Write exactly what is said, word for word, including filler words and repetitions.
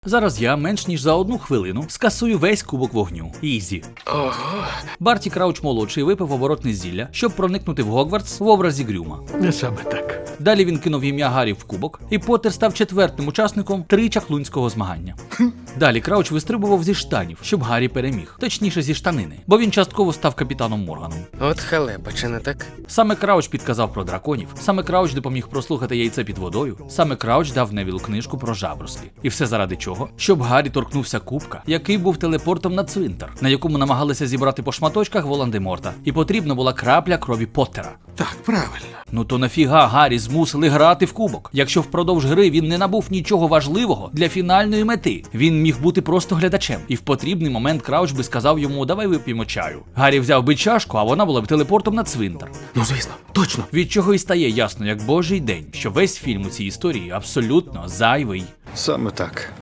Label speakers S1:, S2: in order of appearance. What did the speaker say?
S1: Зараз я менш ніж за одну хвилину скасую весь кубок вогню. Ізі.
S2: Ого.
S1: Барті Крауч молодший випив оборотне зілля, щоб проникнути в Гогвартс в образі Грюма.
S3: Не саме так.
S1: Далі він кинув ім'я Гаррі в кубок, і Поттер став четвертим учасником тричаклунського змагання. Далі Крауч вистрибував зі штанів, щоб Гаррі переміг, точніше зі штанини, бо він частково став капітаном Морганом.
S2: От халепа, чи не так?
S1: Саме Крауч підказав про драконів, саме Крауч допоміг прослухати яйце під водою, саме Крауч дав Невілу книжку про жаброслі. І все заради чого? Щоб Гаррі торкнувся кубка, який був телепортом на цвинтар, на якому намагалися зібрати по шматочках Волан-де-Морта, і потрібна була крапля крові Поттера.
S3: Так, правильно.
S1: Ну то нафіга Гаррі змусили грати в кубок, якщо впродовж гри він не набув нічого важливого для фінальної мети. Він міг бути просто глядачем, і в потрібний момент Крауч би сказав йому: давай вип'ємо чаю. Гаррі взяв би чашку, а вона була б телепортом на цвинтар.
S3: Ну, звісно, точно.
S1: Від чого і стає ясно, як божий день, що весь фільм у цій історії абсолютно зайвий.
S4: Саме так.